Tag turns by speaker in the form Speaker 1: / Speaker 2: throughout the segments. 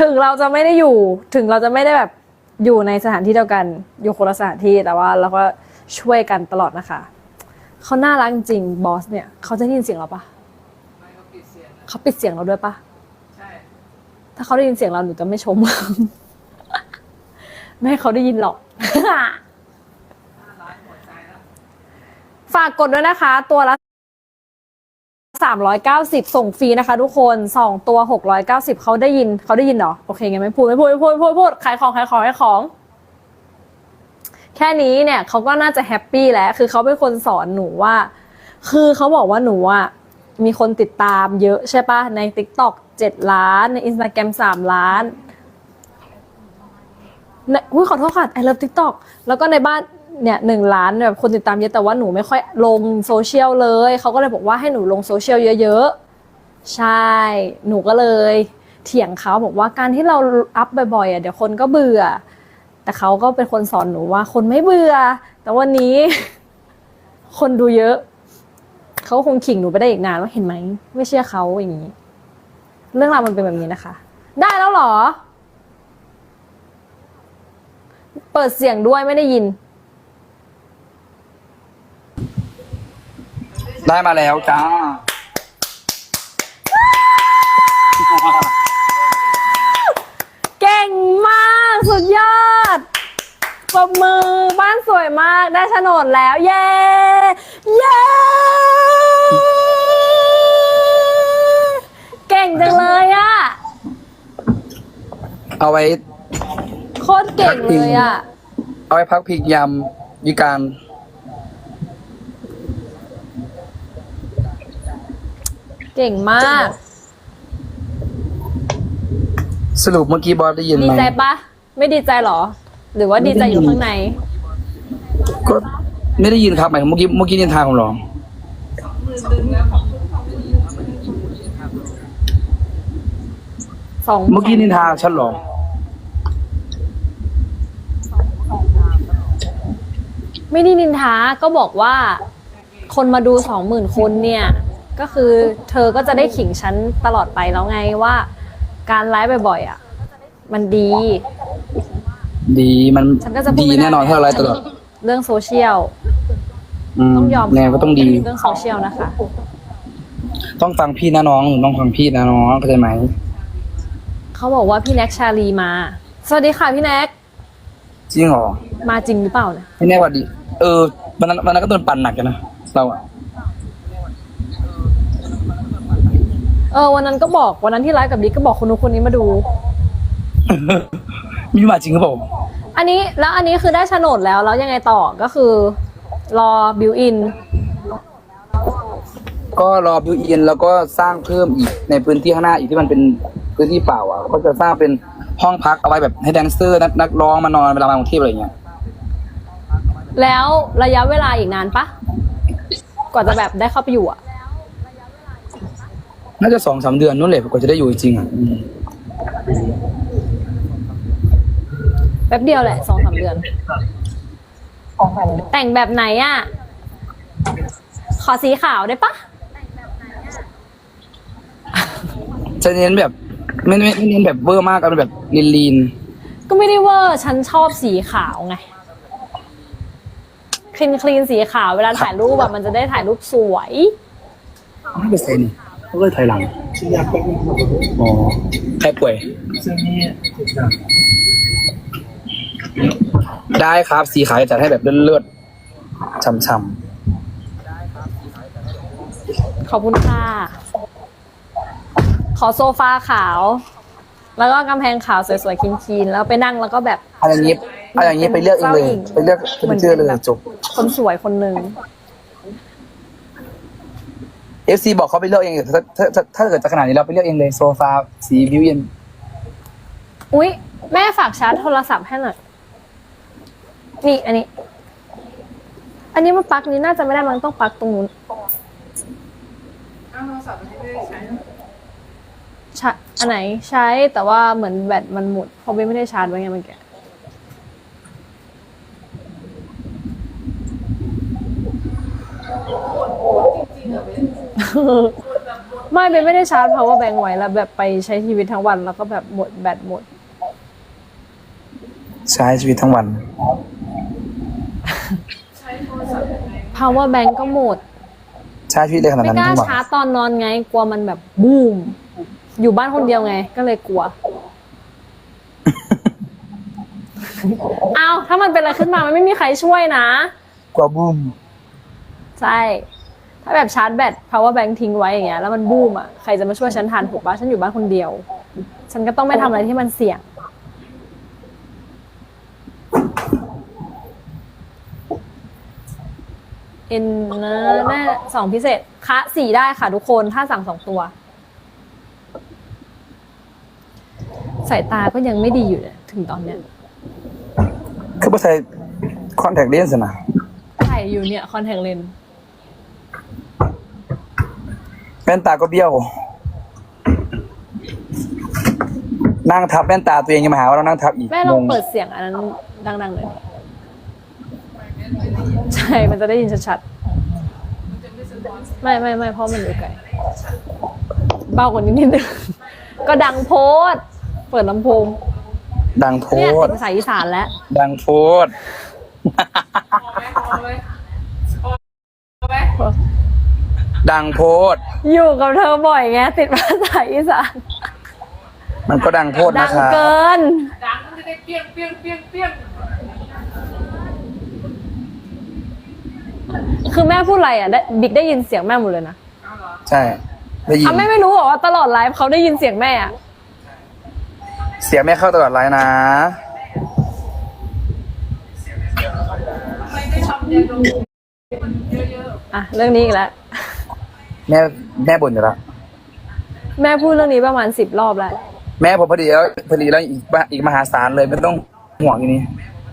Speaker 1: ถึงเราจะไม่ได้อยู่ถึงเราจะไม่ได้แบบอยู่ในสถานที่เดียวกันอยู่คนละสถานที่แต่ว่าเราก็ช่วยกันตลอดนะคะเขาน่ารักจริงบอสเนี่ยเขาจะได้ยินเสียงเราปะ
Speaker 2: ไม่เขาปิดเสียงนะ
Speaker 1: เขาปิดเสียงเราด้วยปะ
Speaker 2: ใช่
Speaker 1: ถ้าเขาได้ยินเสียงเราหนูจะไม่ชม ไม่ให้เขาได้ยินหรอก
Speaker 2: น่ารักหมดใจแล้ว
Speaker 1: ฝากกดด้วยนะคะ ตัวละ390ส่งฟรีนะคะทุกคน2ตัว690เขาได้ยินเหรอโอเคงั้นไม่พูดขายของแค่นี้เนี่ยเขาก็น่าจะแฮปปี้แล้วคือเขาเป็นคนสอนหนูว่าคือเขาบอกว่าหนูอ่ะมีคนติดตามเยอะใช่ปะใน TikTok 7 ล้านใน Instagram 3 ล้านขอโทษค่ะ I love TikTok แล้วก็ในบ้านเนี่ย1 ล้านแบบคนติดตามเยอะแต่ว่าหนูไม่ค่อยลงโซเชียลเลยเขาก็เลยบอกว่าให้หนูลงโซเชียลเยอะๆใช่หนูก็เลยเถียงเขาบอกว่าการที่เราอัพบ่อยๆอ่ะเดี๋ยวคนก็เบื่อแต่เขาก็เป็นคนสอนหนูว่าคนไม่เบื่อแต่วันนี้ คนดูเยอะเขาคงขิงหนูไปได้อีกนานว่าเห็นไหมไม่เชื่อเขาอย่างนี้เรื่องราวมันเป็นแบบนี้นะคะได้แล้วเหรอเปิดเสียงด้วยไม่ได้ยิน
Speaker 3: ได้มาแล้วจ้า
Speaker 1: เก่งมากสุดยอดปรบมือบ้านสวยมากได้โฉนดแล้วเย้เก่งจังเลยอะ
Speaker 3: เอาไว้
Speaker 1: โคตรเก่งเลยอะ
Speaker 3: เอาไว้พักพิงยามวิการ
Speaker 1: เก่งมาก
Speaker 3: สรุปเมื่อกี้บอสได้ยินไหม
Speaker 1: ดีใจปะไม่ดีใจหรอ หรือว่าดีใจอยู่ข้างใน
Speaker 3: ก็ไม่ได้ยินครับหมายถึงเมื่อกี้นินทาผมเหรอ เมื่อกี้นินทาฉันเหรอ
Speaker 1: ไม่ได้นินทาก็บอกว่าคนมาดู 20,000 คนเนี่ยก็คือเธอก็จะได้ขิงฉันตลอดไปแล้วไงว่าการไลฟ์บ่อยๆอ่ะมันดี
Speaker 3: ดีมัน
Speaker 1: ฉันก็จะพูด
Speaker 3: ดี
Speaker 1: ไม่ได้
Speaker 3: แน่นอนถ้าเราไลฟ์ตลอด
Speaker 1: เรื่องโซเชียล
Speaker 3: ม
Speaker 1: ต้องยอม
Speaker 3: แน่ก็ต้องดี
Speaker 1: เรื่องโซเชียลนะคะ
Speaker 3: ต้องฟังพี่นะน้องหนูต้องฟังพี่นะน้องเข้าใจไหม
Speaker 1: เขาบอกว่าพี่แน็กชาลีมา สวัสดีค่ะพี่แน็ก
Speaker 3: จริงเหรอ
Speaker 1: มาจริงหรือเปล่าเนี่ย
Speaker 3: ไม่แน่ว่าดี วันนั้นก็โดนปั่นหนักกันนะเราอะ
Speaker 1: วันนั้นก็บอกวันนั้นที่ไลฟ์กับบิ๊กก็บอกคนนู้นคนนี้มาดู
Speaker 3: มีมาจริงหรือเปล่า
Speaker 1: อันนี้คือได้โฉนดแล้วยังไงต่อก็คือรอบิวอิน
Speaker 3: ก็รอบิวอินแล้วก็สร้างเพิ่มอีกในพื้นที่ข้างหน้าอีกที่มันเป็นพื้นที่เปล่าอ่ะก็จะสร้างเป็นห้องพักเอาไว้แบบให้แดนเซอร์นักร้องมานอนเวลามากรุงเทพอะไรเงี้ย
Speaker 1: แล้วระยะเวลาอีกนานปะกว่าจะแบบได้เข้าไปอยู่อ่ะ
Speaker 3: น่าจะ2-3 เดือนนู่นแหละกว่าจะได้อยู่จริงๆอ่ะ
Speaker 1: แป๊บเดียวแหละ2-3 เดือน แต่งแบบไหนอ่ะ ขอสีขาวได้ปะ
Speaker 3: จะเน้นแบบไม่เน้นแบบเวอร์มากเอาเป็นแบบลีน
Speaker 1: ก็ไม่ได้เวอร์ฉันชอบสีขาวไงคลีนสีขาวเวลาถ่ายรูปแบบมันจะได้ถ่ายรูปสวย
Speaker 3: ๆไม่เป็นไรนี่เขาก็ถอยหลังอ๋อใครป่วยได้ครับสีขาวจะจัดให้แบบเลือดๆช่ำ
Speaker 1: ขอบคุณค่ะ ขอโซฟาขาว แล้วก็กำแพงขาวสวยๆคีนๆแล้วไปนั่งแล้วก็แบบ
Speaker 3: ๆเอาอย่างนี้ไปเลือกเองเลยไปเลือกเป็นเชื่อเลยจบ
Speaker 1: คนสวยคนหนึ่ง
Speaker 3: FC บอกเขาไปเลือกเองถ้าเกิดจะขนาดนี้เราไปเลือกเองเลยโซฟาสีบิวอิน
Speaker 1: อุ๊ย แม่ฝากชาร์จโทรศัพท์ให้หน่อย นี่อันนี้มันปลั๊กนี้น่าจะไม่ได้มันต้องปลั๊กตรงนู้น
Speaker 2: อ้าวโทรศัพท์ไม่ได้ใช้
Speaker 1: อันไหนใช้แต่ว่าเหมือนแบตมันหมดเพราะไม่ได้ชาร์จไว้ไงเมื่อกี้ไม่ได้ชาร์จ power bank ไว้แล้วแบบไปใช้ชีวิตทั้งวันแล้วก็แบบหมดแบตหมด
Speaker 3: ใช้ชีวิตทั้งวัน
Speaker 2: ใช้โทรศัพท์ยังไง
Speaker 1: power bank ก็หมด
Speaker 3: ใช้ชีวิตได้ขนาด
Speaker 1: ไม่
Speaker 3: นั้น
Speaker 1: กล้า
Speaker 3: ทั้งวัน
Speaker 1: ชาร์จตอนนอนไง กลัวมันแบบบูม อยู่บ้านคนเดียวไง ก็เลยกลัว เอาถ้ามันเป็นอะไรขึ้นมามันไม่มีใครช่วยนะ
Speaker 3: กว่าบูม
Speaker 1: ใช่ ถ้าแบบชาร์จแบต power bank ทิ้งไว้อย่างเงี้ยแล้วมันบูมอ่ะ ใครจะมาช่วยฉันทันถูกปะฉันอยู่บ้านคนเดียว ฉันก็ต้องไม่ทำอะไรที่มันเสี่ยง เอ็นนะแม่2 พิเศษคะ4ได้ค่ะทุกคนถ้าสั่ง2 ตัว สายตาก็ยังไม่ดีอยู่เนี่ยถึงตอนเนี้ย
Speaker 3: คือภาษาคอนแทคเลนส์นะ
Speaker 1: ใส่อยู่เนี่ยคอนแทคเลนส์
Speaker 3: แว่นตาก็เบี้ยว นั่งทับแว่นตาตัวเองยังมาหาว่าเรานั่งทับอีก
Speaker 1: แม่ลองเปิดเสียงอันนั้นดังๆเลยใช่มันจะได้ยินชัดๆไม่เพราะมันอยู่ไกลเบากว่านี้นิดนึงก็ดังโพดเปิดลำโพง
Speaker 3: ดังโพ
Speaker 1: เนี่ย
Speaker 3: ด
Speaker 1: ติดภาษาอีสานแล้ว
Speaker 3: ดังโพด
Speaker 2: พอไหมพอไหม
Speaker 3: ดังโพด
Speaker 1: อยู่กับเธอบ่อยไงติดภาษาอีสาน
Speaker 3: มันก็ดังโพด
Speaker 1: ดั
Speaker 3: นะ
Speaker 1: ง
Speaker 3: ครับ
Speaker 1: เกิน
Speaker 2: ดังมันจะได้เปี้ยงเปี้ยงเปี้ยงเปี้ยง
Speaker 1: คือแม่พูดอะไรอ่ะบิ๊กได้ยินเสียงแม่หมดเลยนะ
Speaker 2: เอาเหรอ
Speaker 3: ใช่ ได้ยิน
Speaker 1: อ่ะแม่ไม่รู้เหรอว่าตลอดไลฟ์เขาได้ยินเสียงแม่อ่ะ
Speaker 3: เสียงไม่เข้าตลอดไลน์นะ
Speaker 2: ทำไมไม่ทำยาดมมันเยอะ
Speaker 1: อ่ะเรื่องนี้อีกแล้ว
Speaker 3: แม่บ่นอยู่แล้ว
Speaker 1: แม่พูดเรื่องนี้ประมาณ10 รอบแล้ว
Speaker 3: แม่ผมพอดีแล้วอีกมหาศาลเลยไม่ต้องห่วงอย่างนี้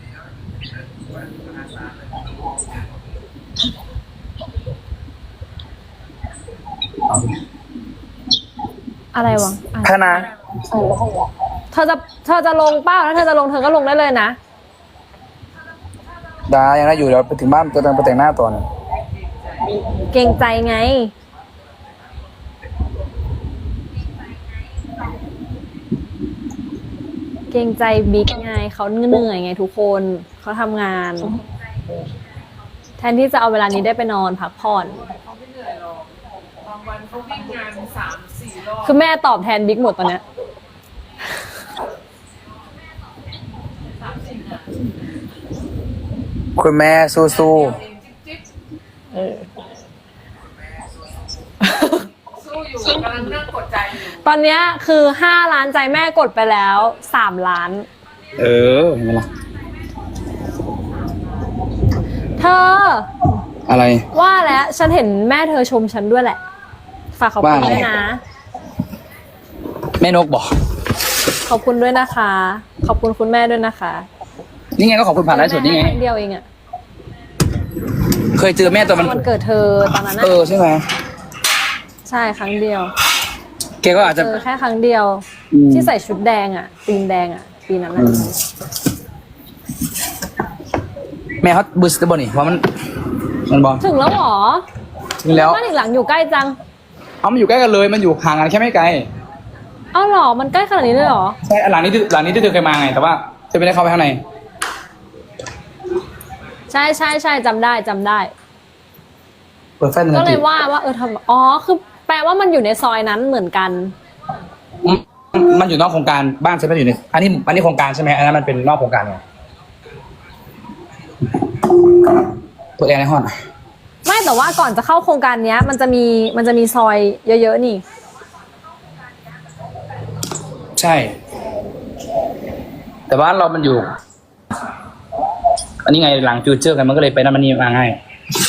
Speaker 1: อะไรวะอ่ะ
Speaker 3: คณะ
Speaker 1: เธอจะลงเป้าถ้าเธอจะลงเธอก็ลงได้เลยนะ
Speaker 3: ได้ยังได้อยู่เดี๋ยวไปถึงบ้านจะต้องไปแต่งหน้าต่อนะ
Speaker 1: เกรงใจไง เกรงใจบิ๊กไงเขาเหนื่อยไงทุกคนเขาทำงาน แทนที่จะเอาเวลานี้ได้ไปนอนพักผ่อน
Speaker 2: ๆเขาไม่เหนื่อยหรอกบางวันเขาวิ่งงาน3-4 รอบ
Speaker 1: คือแม่ตอบแทนบิ๊กหมดตอนเนี้ย
Speaker 2: 3-4งาน
Speaker 3: คุณแม่สู้
Speaker 2: เดียวเองจิ๊บ
Speaker 1: เออ
Speaker 2: ๆสู้อยู่กำลังนั่งกดใจอยู่
Speaker 1: ตอนเนี้ยคือ5 ล้านใจแม่กดไปแล้ว3 ล้าน
Speaker 3: ๆเออเห็นไหมล่ะ
Speaker 1: เธอ
Speaker 3: อะไร
Speaker 1: ว่าแล้วฉันเห็นแม่เธอชมฉันด้วยแหละ ฝากขอบคุณ
Speaker 3: ว่าไง
Speaker 1: ด้วยนะ
Speaker 3: แม่นกบอก
Speaker 1: ขอบคุณด้วยนะคะ ขอบคุณคุณแม่ด้วยนะคะ
Speaker 3: นี่ไงก็ขอบคุณผ่านไลฟ์สดนี่ไง
Speaker 1: ครั้งเดียวเองอะ
Speaker 3: เคยเจอแม่ตอนมัน
Speaker 1: วันเกิดเธอตอนนั้น
Speaker 3: เอ
Speaker 1: อะ
Speaker 3: อใช่ไหม
Speaker 1: ใช่ครั้งเดียว
Speaker 3: แกก็อาจจะ
Speaker 1: เจอแค่ครั้งเดียว
Speaker 3: อืม
Speaker 1: ที่ใส่ชุดแดงอะตีนแดงอะปีนั้นอะ
Speaker 3: แม่เขาบูสต์บอลนี่เพราะมันบอล
Speaker 1: ถึงแล้วเหรอ
Speaker 3: ถึงแล้ว
Speaker 1: บ้านอีกหลังอยู่ใกล้จัง
Speaker 3: เอามันอยู่ใกล้กันเลยมันอยู่ห่างกันแค่ไม่ไกล
Speaker 1: เอ้าเหรอมันใกล้ขนาดนี้เลยเหรอ
Speaker 3: ใช่หลังนี้ที่เธอเคยมาไงแต่ว่าเธอไม่ได้เข้าไปข้างใน
Speaker 1: ใช่จำได้
Speaker 3: เปิดไฟหนึ่ง
Speaker 1: ก็
Speaker 3: นา
Speaker 1: เล
Speaker 3: ที
Speaker 1: ยว่าทำอ๋อคือแปลว่ามันอยู่ในซอยนั้นเหมือนกัน
Speaker 3: มันอยู่นอกโครงการบ้านฉันไม่ได้อยู่ในอันนี้โครงการใช่ไหมอันนั้นมันเป็นนอกโครงการไงเปิดแอร์ในห้อง
Speaker 1: ไม่แต่ว่าก่อนจะเข้าโครงการเนี้ย มันจะมีซอยเยอะๆนี่
Speaker 3: ใช่ แต่ว่าเรามันอยู่ อันนี้ไงหลังฟิวเจอร์กันมันก็เลยไปนั่นมันนี่มาง่าย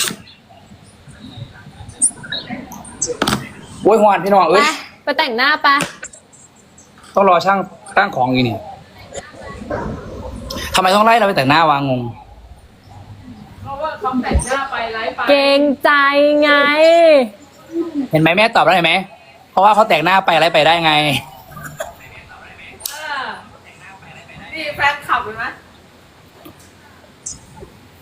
Speaker 3: โอ้ยหวานพี่น้อง
Speaker 1: ไป
Speaker 3: เอ้ย
Speaker 1: ไปแต่งหน้าไป
Speaker 3: ต้องรอช่างตั้งของอีกนี่ทำไมต้องไล่เราไปแต่งหน้าวางงง
Speaker 2: เพราะว่าเขาแต่งหน้าไปไลฟ์ไป
Speaker 1: เกรงใจไง
Speaker 3: เห็นไหมแม่ตอบแล้วเห็นไหมเพราะว่าเขาแต่งหน้าไปอะไรไปได้ไง
Speaker 2: นี่แฟนขับเห็นไหม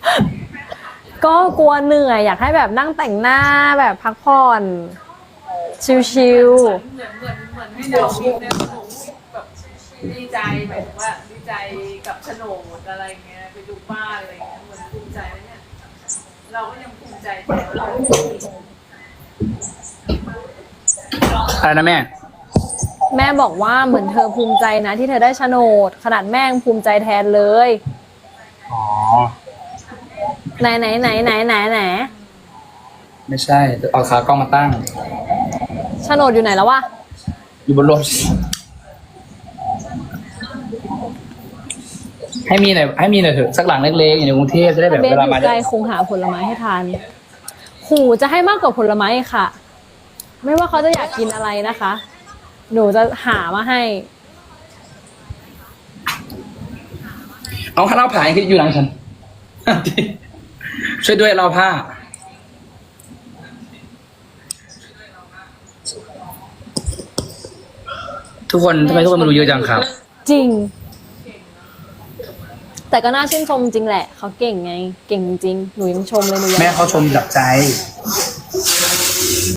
Speaker 1: ก็กลัวเหนื่อยอยากให้แบบนั่งแต่งหน้าแบบพักผ่อนชิว
Speaker 2: เหมือนให้เราคิดในหนูแบบดีใจหมายถึงว่าดีใจกับโฉนดอะไรเงี้ยไปดูบ้านอะไรเงี้ยเหมือนภูมิใจแล้วเนี่ยเราก็ยังภูมิใจแต่เรา
Speaker 3: อะไรนะแม่
Speaker 1: ๆแม่บอกว่าเหมือนเธอภูมิใจนะที่เธอได้โฉนด ขนาดแม่ยังภูมิใจแทนเลย
Speaker 3: อ๋อ
Speaker 1: ไหนไหนไหนไหนไหนไหน
Speaker 3: ไม่ใช่เอาขากล้องมาตั้ง
Speaker 1: โฉนดอยู่ไหนแล้ววะ
Speaker 3: อยู่บนรถให้มีหน่อยเถอะสักหลังเล็กๆอยู่ในกรุงเทพจะได้แบบ
Speaker 1: เบส
Speaker 3: เว
Speaker 1: อ
Speaker 3: ลามา
Speaker 1: ยู่ไกลคงหาผลไม้ให้ทานหูจะให้มากกว่าผลไม้ค่ะ ไม่ว่าเขาจะอยากกินอะไรนะคะ หนูจะหามาให้
Speaker 3: เอาผ้าเล่าผ่าที่อยู่หลังฉัน ช่วยด้วยเราผ้า ทุกคนทำไมทุกคนมาดูเยอะจังครับ
Speaker 1: จริง แต่ก็น่าชื่นชมจริงแหละ เขาเก่งไง เก่งจริง หนูยังชมเลยหนูยัง
Speaker 3: แม่เขาชมจากใจ